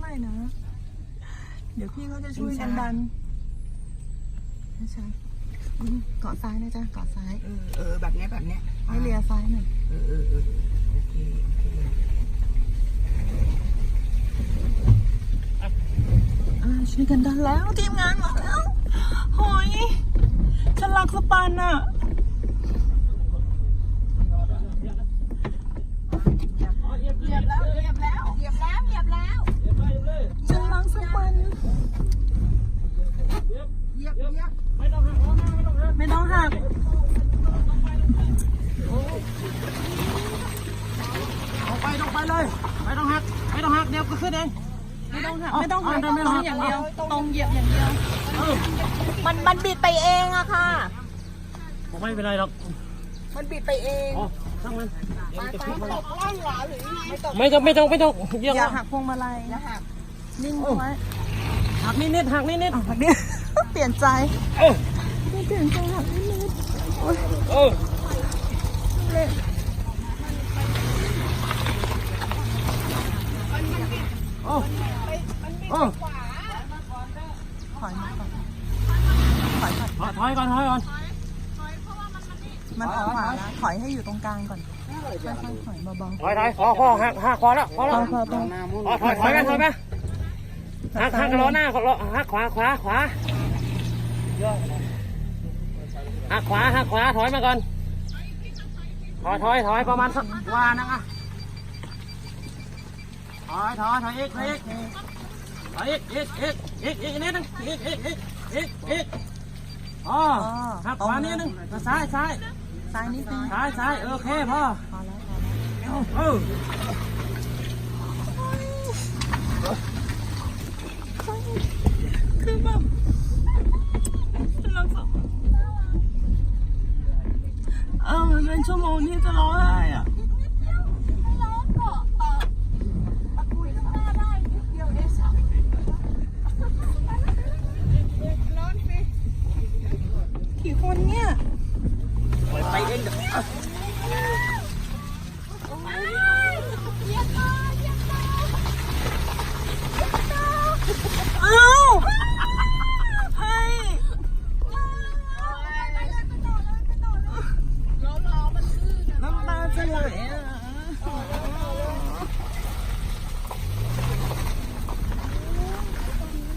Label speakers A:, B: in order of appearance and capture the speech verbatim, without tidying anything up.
A: ได้นะเดี๋ยวพี่เขาจะช่วยกันดันใช่เกาะซ้ายนะจ๊ะเกาะซ้าย
B: เออเออแบบเนี้ยแบบเนี้ย
A: ให้เลียซ้ายหน่อย
B: เออเออเออโอเคโอเค
A: อ่าช่วยกันดันแล้วทีมงานมาแล้วหอยฉันรักสปันอ่ะ
B: เหยียบแล้วเหยียบแล้วเหยียบแล้วเหยียบแล้ว
A: ฉันรักสปัน
B: เหยียบเหยียบ
A: ไม่ต้องหัก
C: เอาไปต้องไปเลยไม่ต้องหักไม่ต้องหักเดี๋ยวก็ขึ้นเอง
A: ไม่ต้องหักไม่ต้องหัก
C: เอา
A: ต
C: เอา
A: รง
C: เอา
A: อย่างเดียวตรงเหยียบอย่างเดียว
C: เออ
A: มันมันบิดไปเองอะค่ะ
C: ผมไม่เป็นไรหรอก
B: มันบิดไปเอง
C: อ๋อช่างมันเดี๋ยวมันจะพลิกมา
B: ตกล่องหรอหรือไม่ตก
C: ไม่ต้องไม่ต้องไม่ต้องเยอะ
A: อย่าหักพวงมาลัย
B: นะฮะ
A: นิ่งไว้
C: หักนิดนิดหักนิดนิด
A: อ่ะเนี่ย เปลี่ยนใจ
C: เออ
A: เปลี่ยนใจหักนิดนิดโอ๊ย
C: เออ
A: เละ
C: โอ้โอ้
A: ถอยมาก่อนถอยก่อน
C: ถอยก่อนถอยก่อน
A: มันออกขวาแล้วถอยให้อยู่ตรงกลางก่อนค่อยๆถอยเบา
C: ถอยถอยพอพอหักหักพอแล้วพอ
A: ๆ
C: แล้ว
A: พอพอพอ
C: พอถอยถอยกันถอยไปหักหักล้อหน้าล้อหักขวาขวาขวาหักขวาหักขวาถอยมาก่อนถอยถอยถอยประมาณสักวานึงอ่ะถอยถอยถอยอีกถอยอีกถอยอีกอีกอีกอีกอีกนิดนึงอีกอีกอีกอีกอีกอ๋อหักขวานิดนึงซ้ายซ้าย
A: ซ้ายนิดนึง
C: ซ้ายซ้ายโอเคพ่อ
A: พอแล้วพอแล้ว
C: เออ